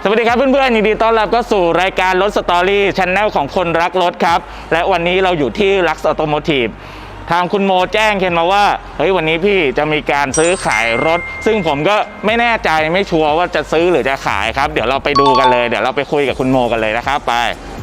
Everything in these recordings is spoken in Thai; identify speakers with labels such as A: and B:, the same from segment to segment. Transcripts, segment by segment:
A: สวัสดีครับเพื่อนๆยินดีต้อนรับเข้าสู่รายการรถสตอรี่ช anel ของคนรักรถครับและวันนี้เราอยู่ที่ลักซ์ออโตโมทีฟทางคุณโมแจ้งเคนมาว่าเฮ้ยวันนี้พี่จะมีการซื้อขายรถซึ่งผมก็ไม่แน่ใจไม่ชัวร์ว่าจะซื้อหรือจะขายครับเดี๋ยวเราไปดูกันเลยเดี๋ยวเราไปคุยกับคุณโมกันเลยนะครับไป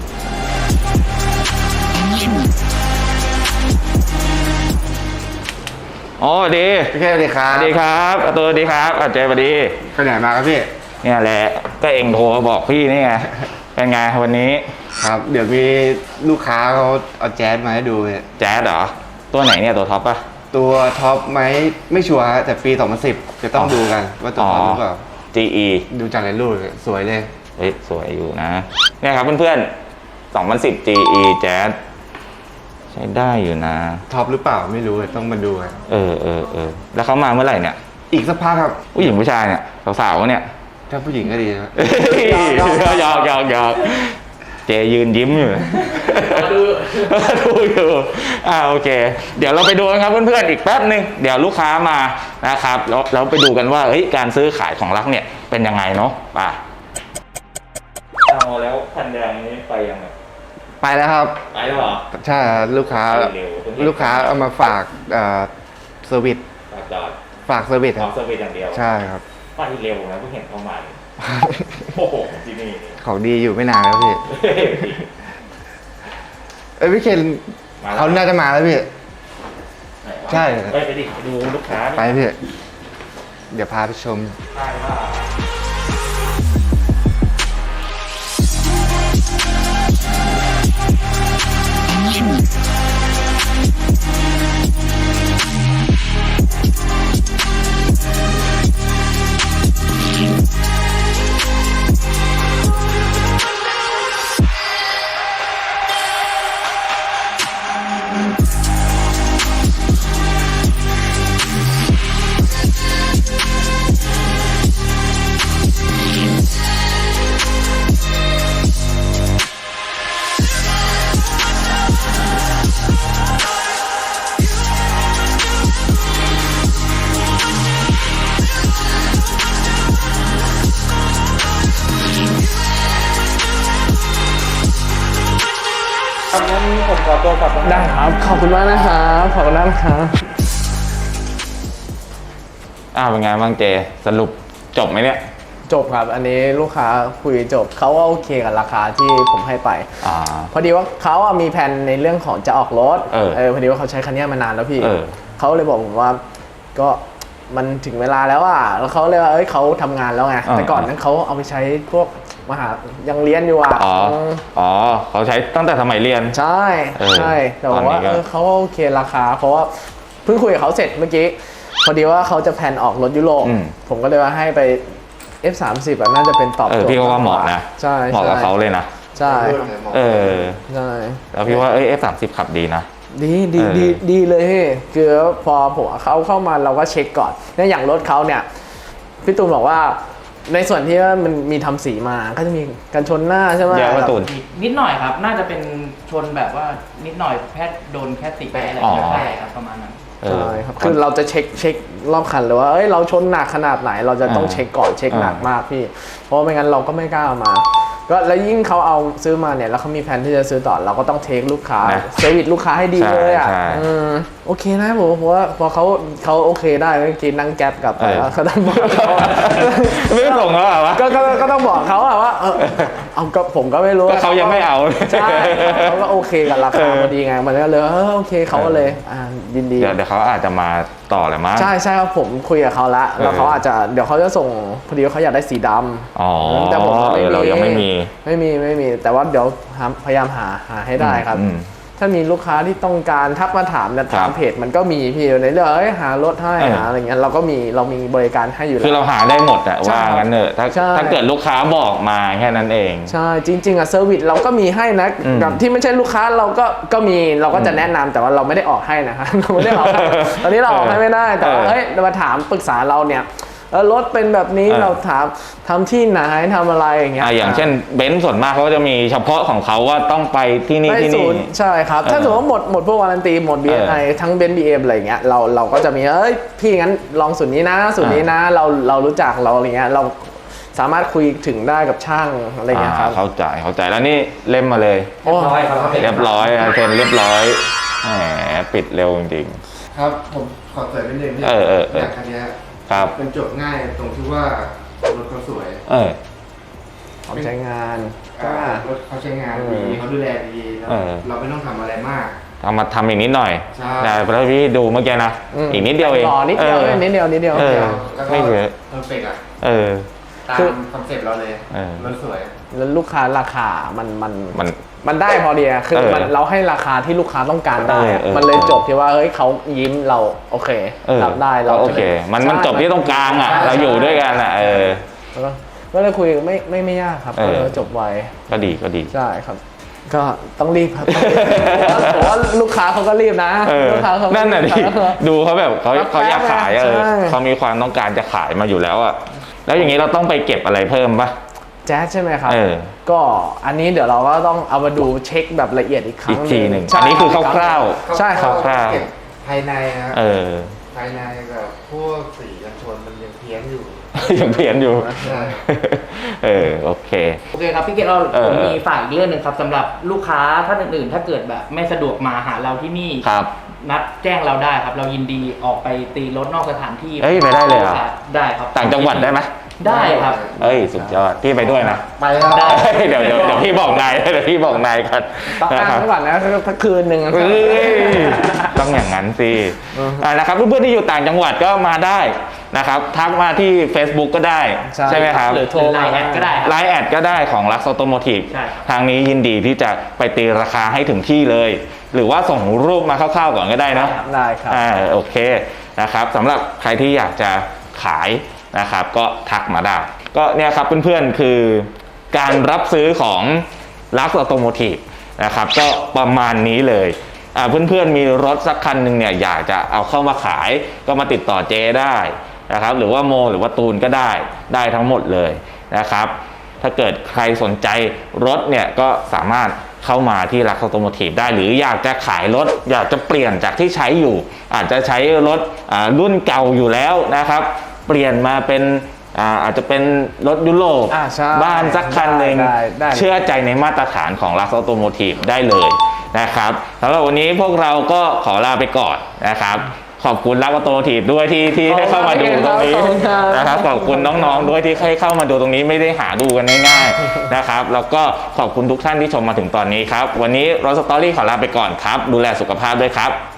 A: โอ้ดี
B: พี่แค่สวัสดีครับ
A: สวัสดีครับตัวสวัสดีครับเจสวัสดี
B: ไปไหนมาครับพี่
A: เนี่ยแหละก็เองโทรบอกพี่นี่ไงเป็นไงวันนี้
B: ครับเดี๋ยวมีลูกค้าเขาเอาแจ๊สมาให้ดู
A: แจ๊สเหรอตัวไหนเนี่ยตัวท็อปป่ะ
B: ตัวท็อปไหมไม่ชัวร์แต่ปี 2010 จะต้องดูกันว่าตัวท็อปหรือเปล่า
A: GE
B: ดูจากในรูปสวยเลย
A: เฮ้ยสวยอยู่นะเนี่ยครับเพื่อนๆ2010 GE แจ๊สใช้ได้อยู่นะ
B: ท็อปหรือเปล่าไม่รู้ต้องมาดูกัน
A: แล้วเขามาเมื่อไหร่เนี่ย
B: อีกสักพักครับ
A: ผู้หญิงผู้ชายเนี่ยสาวๆเนี่ย
B: ถ้าผู้หญิงก็ดีนะ
A: ยอกเจยืนยิ้มอยู่ดูอยู่โอเคเดี๋ยวเราไปดูกันครับเพื่อนๆอีกแป๊บนึงเดี๋ยวลูกค้ามานะครับแล้วไปดูกันว่าเฮ้ยการซื้อขายของรักเนี่ยเป็นยังไงเนาะป่ะเอาแล้วคันแดงนี้ไปยังไง
B: ไปแล้วครับ
A: ไปแล้วเหรอ
B: ใช่ลูกค้าเอามาฝากเซอร์วิสฝากเซอร์วิส
A: ครับเซอร์วิสอย่างเดียว
B: ใช่ครับ
A: ไปเร็วนะเพิ่งเห็นเข้ามาโอ้โหที่นี่
B: ของดีอยู่ไม่นานแล้วพี่พี่เคนเขาน่าจะมาแล้วพี่ใช่
A: ไปดิไปดูลูกค้า
B: ไปพี่เดี๋ยวพาไปชม
A: งั้นผมขอตัวกลับ
C: ได้ครับขอบคุณมากนะครับขอบคุณมากครับ
A: เป็นไงบ้างเจสรุปจบไหมเนี่ย
C: จบครับอันนี้ลูกค้าคุยจบเขาว่าโอเคกับราคาที่ผมให้ไปพอดีว่าเขามีแผนในเรื่องของจะออกรถพอดีว่าเขาใช้คันนี้มานานแล้วพี่เขาเลยบอกผมว่าก็มันถึงเวลาแล้วแล้วเขาเลยว่าเขาทำงานแล้วไงแต่ก่อนนั้นเขาเอาไปใช้พวกมหายังเรียนอยู่
A: เขาใช้ตั้งแต่สมัยเรียน
C: ใช่แต่ว่าเขาโอเคราคาเพราะว่าเพิ่งคุยกับเขาเสร็จเมื่อกี้พอดีว่าเขาจะแผนออกรถยุโรปผมก็เลยว่าให้ไป F30 น่าจะเป็นตอบโจทย์
A: พี่ก็ว่าเหมาะนะ
C: ใช่
A: เหมาะกับเขาเลยนะ
C: ใช่
A: ใช่แล้วพี่ว่าF30 ขับดีนะ
C: ดีเลยคือพอผมเขาเข้ามาเราก็เช็คก่อนเนี่ยอย่างรถเขาเนี่ยพี่ตูนบอกว่าในส่วนที่ว่ามันมีทำสีมาก็จะมีการชนหน้าใช่ไหม
A: พี่ตูน
D: นิดหน่อยครับน่าจะเป็นชนแบบว่านิดหน่อยแค่โดนแค่ติดแปะอะไรแค่ครับประมาณนั้น
C: ใช่ครับคือเราจะเช็ครอบคันเลยว่าเราชนหนักขนาดไหนเราจะต้องเช็คก่อนเช็คหนักมากพี่เพราะไม่งั้นเราก็ไม่กล้ามาก็แล้วยิ่งเขาเอาซื้อมาเนี่ยแล้วเขามีแผนที่จะซื้อต่อเราก็ต้องเทคลูกค้าเซอร์วิสลูกค้าให้ดีเลยโอเคนะผมเพราะว่าพอเขาโอเคได้เมื่อกี้นั่งแก๊ปกลับไปแล้วเขาต้องบอกเขา
A: ไม่ส่งเขาเหรอวะ
C: ก็ต้องบอกเขาว่าเอาก็ผมก็ไม่รู้
A: ก็เขายังไม่เอา
C: ใช่เขาก็โอเคกับราคาพอดีไงมันก็เลยโอเคเขาก็เลยยินดี
A: เดี๋ยวเขาอาจจะมาต่อแหละมั้ง
C: ใช่ครับผมคุยกับเขาแล้วเขาอาจจะเดี๋ยวเขาจะส่งพอดีเขาอยากได้สีดำแต่ผม
A: เรายังไม่มี
C: แต่ว่าเดี๋ยวพยายามหาให้ได้ครับถ้ามีลูกค้าที่ต้องการทักมาถามในทางเพจมันก็มีพี่ในเรื่องหารถให้หาอะไรเงี้ยเรามีบริการให้อยู่แล้ว
A: คือเราหาได้หมดว่างั้นเถอะถ้าเกิดลูกค้าบอกมาแค่นั้นเอง
C: ใช่จริงๆเซอร์วิสเราก็มีให้นะแบบที่ไม่ใช่ลูกค้าเราก็มีเราก็จะแนะนำแต่ว่าเราไม่ได้ออกให้นะครับเราไม่ได้ออกให้ตอนนี้เราออกให้ไม่ได้แต่ว่ามาถามปรึกษาเราเนี่ยรถเป็นแบบนี้เราถามทำที่ไหนทำอะไรอย่างเงี้ย
A: อย่างเช่นเบนซ์ส่วนมากเขาจะมีเฉพาะของเขาว่าต้องไปที่นี่
C: ใช่ครับถ้าสมมติว่าหมดพวกวารันตีหมด BNI ทั้งเบนซ์ BM อะไรอย่างเงี้ยเราก็จะมีพี่งั้นลองสูตรนี้นะสูตรนี้นะเรารู้จักเราอะไรเงี้ยเราสามารถคุยถึงได้กับช่างอะไรเงี้ยครับ
A: เข้าใจแล้วนี่เล่มมาเลย
C: โอ้
D: ร้อยครับ
A: เรียบร้อยเซ็นเรียบร้อยแหมปิดเร็วจริง
B: ครับผมขอเสริมนิดนึง
A: เออ
B: อย่างคันเนี้ย
A: ๆครับ
B: เป็นจบง่ายตรงที่ว่ารถเขาสวย
C: ของใช้งาน
B: รถเขาใช้งานดีเขาดูแลดีแล้ว
A: เออ
B: เราไม่ต้องทำอะไรมาก
A: เอามาทำอีกนิดหน่อย
B: ใช่
A: แต่พอพี่ดูเมื่อกี้นะ อีกนิดเดียวเอง
C: ต่อนิดเดียวนิดเดียว
A: เออ
B: แล้วก็
A: ไม่เยอะ
B: เพอร์เฟกต์อ่ะ
A: เออ
B: ตาม
C: คือ
B: คอนเซ็ปต์เราเลย
A: เออ
B: รถสวย
C: แล้วลูกค้าราคามัน
A: มัน
C: ได้พอดีอะคือ
A: เออ
C: มันเราให้ราคาที่ลูกค้าต้องการได้อะ
A: เออ
C: มันเลยจบที่ว่าเฮ้ยเขายิ้มเราโอเค รับได้เรา
A: โอเค มันจบที่ตรงกลางอ่ะ เราอยู่ด้วยกันอ่ะ
C: ก็เลยคุยไม่ยากครับ
A: เออ
C: จบไว
A: ก็ดีก็ดี
C: ใช่ครับ ก็ต้องรีบครับผมว่าลูกค้าเขาก็รีบนะ ลูกค้าเขาก็
A: นั่นน่ะดิ
C: รีบครับ
A: ดูเขาแบบเขาอยากขาย
C: ใช่
A: เขามีความต้องการจะขายมาอยู่แล้วอ่ะ แล้วอย่างนี้เราต้องไปเก็บอะไรเพิ่มปะ
C: แจ๊สใช่ไหมครับ
A: เออ
C: ก็อันนี้เดี๋ยวเราก็ต้องเอามาดูเช็คแบบละเอียดอีกครั้
A: อี
C: ง
A: กทีหนึ่ง
C: ใช่
A: อันนี้คือคร่าว
C: ใช่ครับ
A: คร่าวๆ
B: เก็บภายในนะ
A: เออ
B: ภายในกับพวกสีกันชนมันยังเพี้ยนอยู่
A: ยังเพี้ยนอยู่
B: ใช่
A: โอเค
D: โอเคครับพี่เกดเรา ผมมีฝากอีกเรื่องหนึ่งครับสำหรับลูกค้าท่านอื่นๆ ถ้าเกิดแบบไม่สะดวกมาหาเราที่นี่
A: ครับ
D: นัดแจ้งเราได้ครับ เรายินดีออกไปตีรถนอกสถานที่
A: เอ้ยไปได้เลยเหรอ
D: ได้ครับ
A: ต่างจังหวัดได้ไหม
D: ได้ครับ
A: เอ้ยสุดยอดพี่ไปด้วยนะ
B: ไปครับ
D: ได้
A: เฮ้ยเดี๋ยวพี่บอกนายเดี๋ยวพี่บอกนายกัน
C: ต้อง
A: นะ
C: อ้าง
A: ครับ
C: ไว้ก่อนนะถ้าคืนหนึ่ง
A: เอ้ยต้องอย่างนั้นสินะครับเพื่อนๆที่อยู่ต่างจังหวัดก็มาได้นะครับ ทักมาที่ Facebook ก็ได้ ใช่ไหมครับ
C: หรือโทร
D: ไลน์แอดก็ได้ครับ
A: ไลน์แอดก็ได้ของ Lux Automotive
D: ใช่ครับ
A: ทางนี้ยินดีที่จะไปตีราคาให้ถึงที่เลย หรือว่าส่งรูปมาคร่าวๆก่อนก็ได้นะ
C: ได้ครับ
A: โอเคนะครับสำหรับใครที่อยากจะขายนะครับก็ทักมาได้ ก็เนี่ยครับเพื่อนๆคือการรับซื้อของ Lux Automotive นะครับก็ประมาณนี้เลยเพื่อนๆมีรถสักคันหนึ่งเนี่ยอยากจะเอาเข้ามาขายก็มาติดต่อเจได้นะครับหรือว่าโมหรือว่าตูนก็ได้ทั้งหมดเลยนะครับถ้าเกิดใครสนใจรถเนี่ยก็สามารถเข้ามาที่Lux Automotiveได้หรืออยากจะขายรถอยากจะเปลี่ยนจากที่ใช้อยู่อาจจะใช้รถรุ่นเก่าอยู่แล้วนะครับเปลี่ยนมาเป็นอาจจะเป็นรถยุโรป
C: ใช่
A: บ้านสักคันหนึ่ง
C: ได้
A: เชื่อใจในมาตรฐานของ Lux Automotive ได้เลยนะครับสำหรับวันนี้พวกเราก็ขอลาไปก่อนนะครับขอบคุณLux Automotiveด้วยที่ให้เข้ามาดูตรงนี้นะครับขอบคุณน้องๆด้วยที่ให้เข้ามาดูตรงนี้ไม่ได้หาดูกันง่ายๆนะครับแล้วก็ขอบคุณทุกท่านที่ชมมาถึงตอนนี้ครับวันนี้รถสตอรี่ขอลาไปก่อนครับดูแลสุขภาพด้วยครับ